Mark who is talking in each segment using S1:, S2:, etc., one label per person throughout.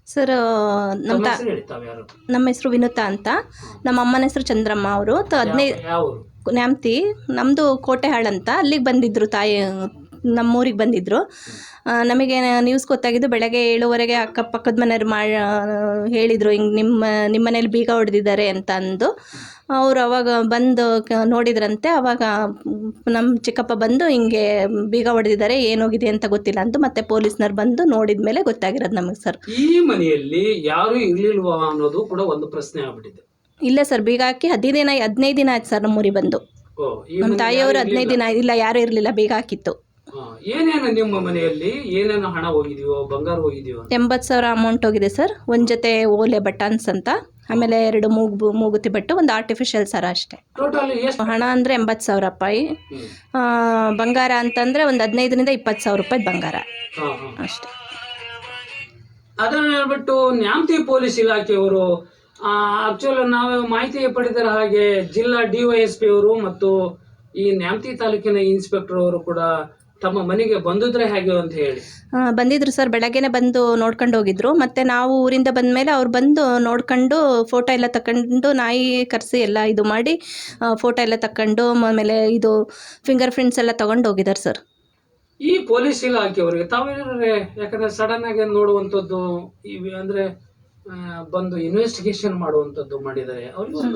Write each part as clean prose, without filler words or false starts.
S1: Sir ನಮ್ಮ
S2: ತಮ್ಮ ಹೆಸರು ಹೇಳಿ, ತಾವು ಯಾರು?
S1: ನಮ್ಮ ಹೆಸರು ವಿನುತಾ ಅಂತ. ನಮ್ಮ ಅಮ್ಮನ ಹೆಸರು ಚಂದ್ರಮ್ಮ. ಅವರು 15
S2: ಯಾವ ಊರು?
S1: ನ್ಯಾಮತಿ. ನಮ್ಮದು ಕೋಟೆಹಾಳ್ ಅಂತ. ಅಲ್ಲಿಗೆ ಬಂದಿದ್ದರು ತಾಯಿ, ನಮ್ಮೂರಿಗೆ ಬಂದಿದ್ದರು. ನಮಗೆ ನ್ಯೂಸ್ ಗೊತ್ತಾಗಿದ್ದು ಬೆಳಗ್ಗೆ 7:30ಗೆ ಅಕ್ಕಪಕ್ಕದ ಮನೆಯವ್ರು ಹೇಳಿದರು, ಹಿಂಗೆ ನಿಮ್ಮ ಮನೇಲಿ ಬೀಗ ಹೊಡೆದಿದ್ದಾರೆ ಅಂತ ಅಂದು. ಅವರು ಅವಾಗ ಬಂದು ನೋಡಿದ್ರಂತೆ. ಆವಾಗ ನಮ್ಮ ಚಿಕ್ಕಪ್ಪ ಬಂದು ಹಿಂಗೆ ಬೀಗ ಹೊಡೆದಿದ್ದಾರೆ, ಏನೋಗಿದೆ ಅಂತ ಗೊತ್ತಿಲ್ಲ ಅಂದು ಮತ್ತೆ ಪೊಲೀಸ್ನವ್ರು ಬಂದು ನೋಡಿದ ಮೇಲೆ ಗೊತ್ತಾಗಿರೋದು ನಮಗೆ ಸರ್.
S2: ಈ ಮನೆಯಲ್ಲಿ ಯಾರು ಇರ್ಲಿಲ್ವಾ ಅನ್ನೋದು ಕೂಡ ಒಂದು ಪ್ರಶ್ನೆ ಆಗ್ಬಿಟ್ಟಿದೆ.
S1: ಇಲ್ಲ ಸರ್, ಬೀಗ ಹಾಕಿ 15 ದಿನ ಆಯ್ತು ಸರ್ ನಮ್ಮೂರಿಗೆ ಬಂದು. ನಮ್ಮ ತಾಯಿಯವರು 15 ದಿನ ಇಲ್ಲ, ಯಾರೂ ಇರಲಿಲ್ಲ, ಬೀಗ ಹಾಕಿತ್ತು.
S2: ಏನೇನು ನಿಮ್ಮ ಮನೆಯಲ್ಲಿ ಏನೇನು ಹಣ ಹೋಗಿದೆಯೋ, ಬಂಗಾರ ಹೋಗಿದೆಯೋ?
S1: 80,000 ಅಮೌಂಟ್ ಹೋಗಿದೆ ಸರ್. ಒಂದು ಜೊತೆ ಓಲೆ ಬಟನ್ಸ್ ಅಂತ, ಆಮೇಲೆ 2 ಮೂಗುತಿ ಬಟ್ಟು, ಒಂದು ಆರ್ಟಿಫಿಷಿಯಲ್ ಸರ ಅಷ್ಟೇ.
S2: ಟೋಟಲ್ ಎಷ್ಟು
S1: ಹಣ ಅಂದರೆ 80,000 ರೂಪಾಯಿ. ಬಂಗಾರ ಅಂತಂದರೆ ಒಂದು 15,000 ರಿಂದ 20,000 ರೂಪಾಯಿ ಬಂಗಾರ ಅಷ್ಟೇ.
S2: ಅದನ್ನ ಹೇಳ್ಬಿಟ್ಟು ನ್ಯಾಮತಿ ಪೊಲೀಸ್ ಇಲಾಖೆಯವರು ಆಕ್ಚುಲ್ ನಾವು ಮಾಹಿತಿ ಪಡೆದರ ಹಾಗೆ ಜಿಲ್ಲಾ DYSP ಅವರು ಮತ್ತು ಈ ನ್ಯಾಮತಿ ತಾಲೂಕಿನ ಇನ್ಸ್ಪೆಕ್ಟರ್ ಅವರು ಕೂಡ ತಮ್ಮ ಮನೆಗೆ ಬಂದಿದ್ರೆ ಹೇಗೆ ಅಂತ ಹೇಳಿ
S1: ಬಂದಿದ್ರು ಸರ್. ಬೆಳಗ್ಗೆನೆ ಬಂದು ನೋಡ್ಕೊಂಡು ಹೋಗಿದ್ರು. ಮತ್ತು ನಾವು ಊರಿಂದ ಬಂದ ಮೇಲೆ ಅವ್ರು ಬಂದು ನೋಡ್ಕೊಂಡು ಫೋಟೋ ಎಲ್ಲ ತಗೊಂಡು, ನಾಯಿ ಕರೆಸಿ ಎಲ್ಲ ಇದು ಮಾಡಿ ಫೋಟೋ ಎಲ್ಲ ತಗೊಂಡು, ಆಮೇಲೆ ಇದು ಫಿಂಗರ್ ಪ್ರಿಂಟ್ಸ್ ಎಲ್ಲ ತೊಗೊಂಡು ಹೋಗಿದ್ದಾರೆ ಸರ್.
S2: ಈ ಪೊಲೀಸ್ ಇಲಾಖೆಯವರಿಗೆ ತಾವೇನಾದ್ರೆ, ಯಾಕಂದ್ರೆ ಸಡನ್ ಆಗಿ ನೋಡುವಂಥದ್ದು ಅಂದ್ರೆ ಬಂದು ಇನ್ವೆಸ್ಟಿಗೇಷನ್ ಮಾಡುವಂಥದ್ದು ಮಾಡಿದ್ದಾರೆ,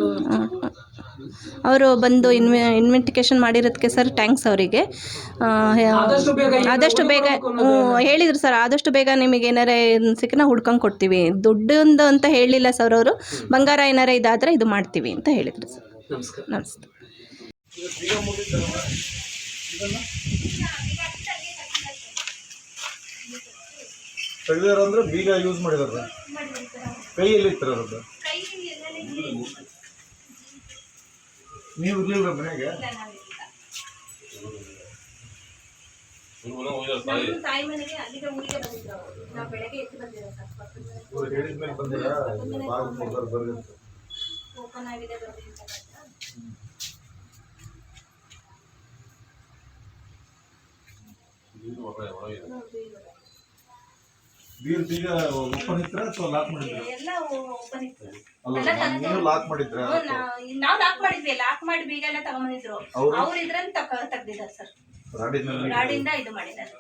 S1: ಅವರು ಬಂದು ಇನ್ವೆಸ್ಟಿಗೇಷನ್ ಮಾಡಿರೋದಕ್ಕೆ ಸರ್ ಥ್ಯಾಂಕ್ಸ್ ಅವರಿಗೆ. ಆದಷ್ಟು ಬೇಗ ಹೇಳಿದ್ರು ಸರ್, ಆದಷ್ಟು ಬೇಗ ನಿಮಗೆ ಏನಾರೇ ಸಿಕ್ಕನ ಹುಡ್ಕೊಂಡು ಕೊಡ್ತೀವಿ, ದುಡ್ಡು ಅಂತ ಹೇಳಿಲ್ಲ ಸರ್ ಅವರು. ಬಂಗಾರ ಏನಾರೇ ಇದಾದರೆ ಇದು ಮಾಡ್ತೀವಿ ಅಂತ ಹೇಳಿದ್ರು ಸರ್.
S2: ನಮಸ್ಕಾರ.
S1: ನಮಸ್ತೆ.
S3: ತೆಗೆದಾರಂದ್ರೆ ಬೀಗ ಯೂಸ್ ಮಾಡಿದಾರೆ, ಕೈಯಲ್ಲಿ ಇತ್ತಿರೋದು. ನೀವು ಇರ್ಲಿಲ್ಲ ಮನೆಗೆ? ಹೇಳಿದ್ಮೇಲೆ ಬಂದಿರಾ? ಬೀಗ ಓಪನ್ ಇತ್ರ ಅಥವಾ ಲಾಕ್ ಮಾಡಿದ್ರ? ನೀವು ಲಾಕ್ ಮಾಡಿದ್ರ?
S1: ನಾವು ಲಾಕ್ ಮಾಡಿದ್ವಿ. ಲಾಕ್ ಮಾಡಿ ಬೀಗ ಎಲ್ಲ ತಗೊಂಡ್ಬಂದಿದ್ರು. ಅವ್ರು ಇದ್ರಲ್ಲಿ ತೆಗ್ದಿದ್ದಾರೆ ಸರ್, ರಾಡಿಂದ ಇದು ಮಾಡಿದ್ದಾರೆ.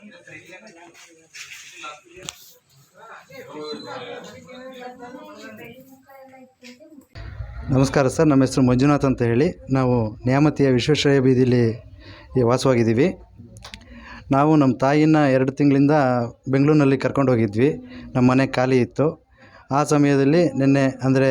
S4: ನಮಸ್ಕಾರ ಸರ್, ನಮ್ಮ ಹೆಸರು ಮಂಜುನಾಥ್ ಅಂತ ಹೇಳಿ. ನಾವು ನ್ಯಾಮತಿಯ ವಿಶ್ವೇಶ್ವರಯ್ಯ ಬೀದಿಲಿ ವಾಸವಾಗಿದ್ದೀವಿ. ನಾವು ನಮ್ಮ ತಾಯಿನ 2 ತಿಂಗಳಿಂದ ಬೆಂಗಳೂರಿನಲ್ಲಿ ಕರ್ಕೊಂಡು ಹೋಗಿದ್ವಿ. ನಮ್ಮ ಮನೆ ಖಾಲಿ ಇತ್ತು. ಆ ಸಮಯದಲ್ಲಿ ನಿನ್ನೆ ಅಂದರೆ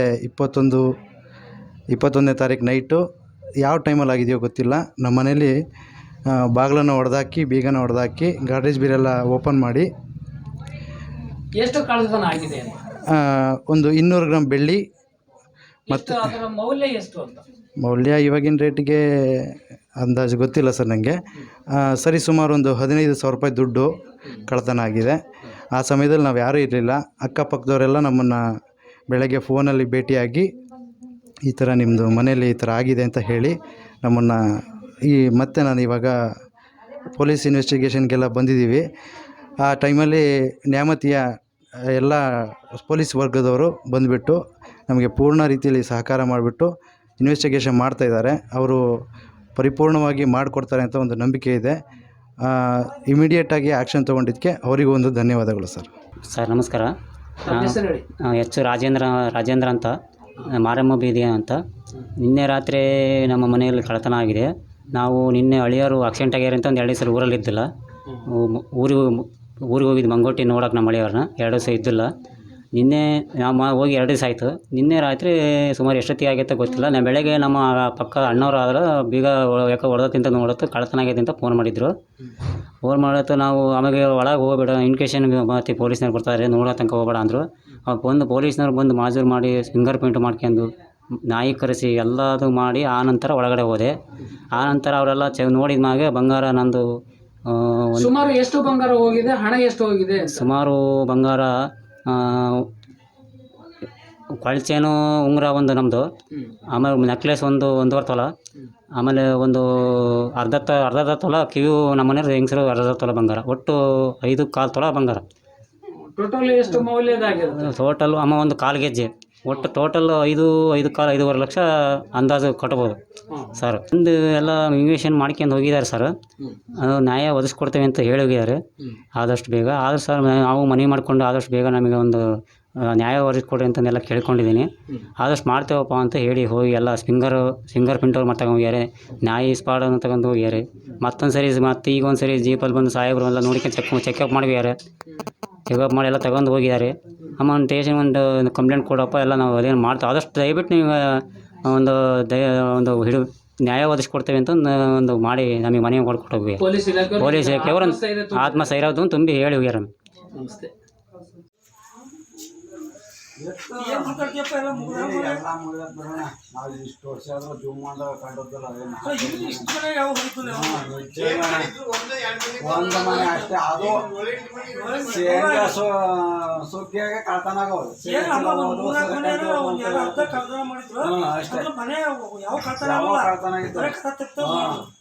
S4: 21ನೇ ತಾರೀಕು ನೈಟು, ಯಾವ ಟೈಮಲ್ಲಿ ಆಗಿದೆಯೋ ಗೊತ್ತಿಲ್ಲ, ನಮ್ಮ ಮನೇಲಿ ಬಾಗಿಲನ್ನು ಹೊಡೆದಾಕಿ, ಬೀಗನ ಹೊಡೆದಾಕಿ, ಗಾರ್ಡೇಜ್ ಬೀರೆಲ್ಲ ಓಪನ್ ಮಾಡಿ
S2: ಎಷ್ಟು ಕಳ್ಳತನ ಆಗಿದೆ?
S4: ಒಂದು 200 ಗ್ರಾಮ್ ಬೆಳ್ಳಿ ಮತ್ತು
S2: ಅದರ ಮೌಲ್ಯ ಎಷ್ಟು ಅಂತ?
S4: ಮೌಲ್ಯ ಇವಾಗಿನ ರೇಟಿಗೆ ಅಂದಾಜು ಗೊತ್ತಿಲ್ಲ ಸರ್ ನನಗೆ. ಸರಿ ಸುಮಾರು ಒಂದು 15,000 ರೂಪಾಯಿ ದುಡ್ಡು ಕಳ್ಳತನ ಆಗಿದೆ. ಆ ಸಮಯದಲ್ಲಿ ನಾವು ಯಾರೂ ಇರಲಿಲ್ಲ. ಅಕ್ಕಪಕ್ಕದವರೆಲ್ಲ ನಮ್ಮನ್ನು ಬೆಳಗ್ಗೆ ಫೋನಲ್ಲಿ ಭೇಟಿಯಾಗಿ ಈ ಥರ ನಿಮ್ಮದು ಮನೇಲಿ ಈ ಥರ ಆಗಿದೆ ಅಂತ ಹೇಳಿ ನಮ್ಮನ್ನು ಮತ್ತೆ ನಾನು ಇವಾಗ ಪೊಲೀಸ್ ಇನ್ವೆಸ್ಟಿಗೇಷನ್ಗೆಲ್ಲ ಬಂದಿದ್ದೀವಿ. ಆ ಟೈಮಲ್ಲಿ ನ್ಯಾಮತಿಯ ಎಲ್ಲ ಪೊಲೀಸ್ ವರ್ಗದವರು ಬಂದುಬಿಟ್ಟು ನಮಗೆ ಪೂರ್ಣ ರೀತಿಯಲ್ಲಿ ಸಹಕಾರ ಮಾಡಿಬಿಟ್ಟು ಇನ್ವೆಸ್ಟಿಗೇಷನ್ ಮಾಡ್ತಾಯಿದ್ದಾರೆ. ಅವರು ಪರಿಪೂರ್ಣವಾಗಿ ಮಾಡಿಕೊಡ್ತಾರೆ ಅಂತ ಒಂದು ನಂಬಿಕೆ ಇದೆ. ಇಮಿಡಿಯೇಟಾಗಿ ಆ್ಯಕ್ಷನ್ ತೊಗೊಂಡಿದ್ದಕ್ಕೆ ಅವರಿಗೂ ಒಂದು ಧನ್ಯವಾದಗಳು ಸರ್.
S5: ಸರ್ ನಮಸ್ಕಾರ. ಹೆಚ್ಚು ರಾಜೇಂದ್ರ ಅಂತ, ಮಾರಮ್ಮ ಬೀದಿ ಅಂತ. ನಿನ್ನೆ ರಾತ್ರಿ ನಮ್ಮ ಮನೆಯಲ್ಲಿ ಕಳ್ಳತನ ಆಗಿದೆ. ನಾವು ನಿನ್ನೆ ಅಳಿಯರು ಆಕ್ಸಿಡೆಂಟ್ ಆಗ್ಯಾರ ಅಂತ ಒಂದು 2 ದಿವಸ ಊರಲ್ಲಿದ್ದಿಲ್ಲ. ಊರಿಗೆ ಹೋಗಿದ್ದು ಮಂಗೋಟಿ ನೋಡೋಕೆ ನಮ್ಮ ಅಳಿಯವ್ರನ್ನ. 2 ದಿವಸ ಇದ್ದಿಲ್ಲ. ನಿನ್ನೆ ನಾವು ಹೋಗಿ 2 ದಿವಸ ಆಯಿತು. ನಿನ್ನೆ ರಾತ್ರಿ ಸುಮಾರು ಎಷ್ಟೊತ್ತಿಗೆ ಆಗೈತೆ ಗೊತ್ತಿಲ್ಲ. ನಾನು ಬೆಳಗ್ಗೆ ನಮ್ಮ ಪಕ್ಕ ಅಣ್ಣವ್ರು ಆದ್ರೆ ಬೀಗ ಯಾಕೆ ಹೊಡೆದತ್ತಿಂತ ನೋಡತ್ತು ಕಳ್ಳತನ ಆಗೈತೆ ಅಂತ ಫೋನ್ ಮಾಡಿದ್ರು. ಫೋನ್ ಮಾಡತ್ತು ನಾವು ಆಮೇಲೆ ಒಳಗೆ ಹೋಗ್ಬೇಡ, ಇನ್ವಿಟೇಷನ್ ಮತ್ತು ಪೊಲೀಸ್ನವ್ರು ಬರ್ತಾರೆ, ನೋಡೋ ತನಕ ಹೋಗ್ಬೇಡ ಅಂದರು. ಅವ್ರು ಬಂದು ಪೊಲೀಸ್ನವ್ರು ಬಂದು ಮಾಜೂರು ಮಾಡಿ ಫಿಂಗರ್ ಪ್ರಿಂಟ್ ಮಾಡ್ಕೊಂಡು ನಾಯಿ ಕರೆಸಿ ಎಲ್ಲದು ಮಾಡಿ ಆನಂತರ ಒಳಗಡೆ ಹೋದೆ. ಆನಂತರ ಅವರೆಲ್ಲ ನೋಡಿದ ಮ್ಯಾಗೆ ಬಂಗಾರ ನಂದು
S2: ಸುಮಾರು ಎಷ್ಟು ಬಂಗಾರ ಹೋಗಿದೆ, ಹಣ ಎಷ್ಟು ಹೋಗಿದೆ?
S5: ಸುಮಾರು ಬಂಗಾರ ಕೊಳಚೇನು ಉಂಗುರ ಒಂದು ನಮ್ಮದು, ಆಮೇಲೆ ನೆಕ್ಲೆಸ್ ಒಂದು 1.5 ತೊಲ, ಆಮೇಲೆ ಒಂದು ಅರ್ಧ ತೊಲ ಕಿವಿ ನಮ್ಮ ಮನೆಯವ್ರು ಹೆಂಗಸರು 1/2 ತೊಲ ಬಂಗಾರ, ಒಟ್ಟು 5 1/4 ತೊಲ ಬಂಗಾರ.
S2: ಟೋಟಲ್ ಎಷ್ಟು ಮೌಲ್ಯದಾಗಿರುತ್ತೆ?
S5: ಟೋಟಲ್ ಅಮ್ಮ ಒಂದು ಕಾಲು ಗೆಜ್ಜೆ ಒಟ್ಟು ಟೋಟಲ್ 5.5 ಲಕ್ಷ ಅಂದಾಜು ಕಟ್ಬೋದು ಸರ್. ಒಂದು ಎಲ್ಲ ಇನ್ವೆಷನ್ ಮಾಡ್ಕೊಂಡು ಹೋಗಿದ್ದಾರೆ ಸರ್. ಅದು ನ್ಯಾಯ ಒದಗಿಸ್ಕೊಡ್ತೇವೆ ಅಂತ ಹೇಳಿ ಹೋಗಿದ್ದಾರೆ ಆದಷ್ಟು ಬೇಗ. ಆದರೂ ಸರ್ ನಾವು ಮನವಿ ಮಾಡಿಕೊಂಡು ಆದಷ್ಟು ಬೇಗ ನಮಗೆ ಒಂದು ನ್ಯಾಯ ಒದಗಿಸ್ಕೊಡ್ರಿ ಅಂತಂದೆಲ್ಲ ಕೇಳ್ಕೊಂಡಿದ್ದೀನಿ. ಆದಷ್ಟು ಮಾಡ್ತೇವಪ್ಪ ಅಂತ ಹೇಳಿ ಹೋಗಿ ಎಲ್ಲ ಫಿಂಗರ್ ಪ್ರಿಂಟ್ ಅವ್ರು ಮತ್ತೆ ಹೋಗ್ಯಾರೆ, ನ್ಯಾಯ ಸ್ಪಾಡನ್ನು ತಗೊಂಡು ಹೋಗ್ಯಾರೆ. ಮತ್ತೊಂದು ಸರಿ ಮತ್ತೆ ಈಗ ಒಂದು ಸರಿ ಜೀಪಲ್ಲಿ ಬಂದು ಸಾಹೇಬರು ಎಲ್ಲ ನೋಡ್ಕೊಂಡು ಚೆಕಪ್ ಮಾಡಿದ್ದಾರೆ. ಚೆಕಪ್ ಮಾಡಿ ಎಲ್ಲ ತಗೊಂಡು ಹೋಗಿದ್ದಾರೆ. ಅಮ್ಮ ಒಂದು ಸ್ಟೇಷನ್ ಒಂದು ಕಂಪ್ಲೇಂಟ್ ಕೊಡಪ್ಪ, ಎಲ್ಲ ನಾವು ಅದೇನು ಮಾಡ್ತೇವೆ. ಆದಷ್ಟು ದಯವಿಟ್ಟು ನೀವು ಒಂದು ನ್ಯಾಯ ಒದಗಿಸ್ಕೊಡ್ತೇವೆ ಅಂತ ಒಂದು ಮಾಡಿ ನಮಗೆ ಮನೆ ಕೊಟ್ಬಿಟ್ಟು ಹೋಗಿ ಪೊಲೀಸ್ ಇಲಾಖೆಯವರು ಆತ್ಮಸ್ಥೈರ್ಯ ತುಂಬಿ ಹೇಳಿ ಹೋಗ್ಯಾರ.
S2: ನಮಸ್ತೆ.
S3: ನಾವು ಇಷ್ಟು ವರ್ಷ ಆದ್ರೂ ಜೂಮ್ ಮಾಡೋ ಕಂಡದ್ದಲ್ಲ ಒಂದು ಮನೆ ಅಷ್ಟೇ. ಅದು ಶೇಂಗಾ ಸುಗ್ಗಿಯಾಗೆ ಕಳ್ತನಾಗವು ಅಷ್ಟೇ. ಯಾವ ಕಳ್ತನಾಗಿತ್ತು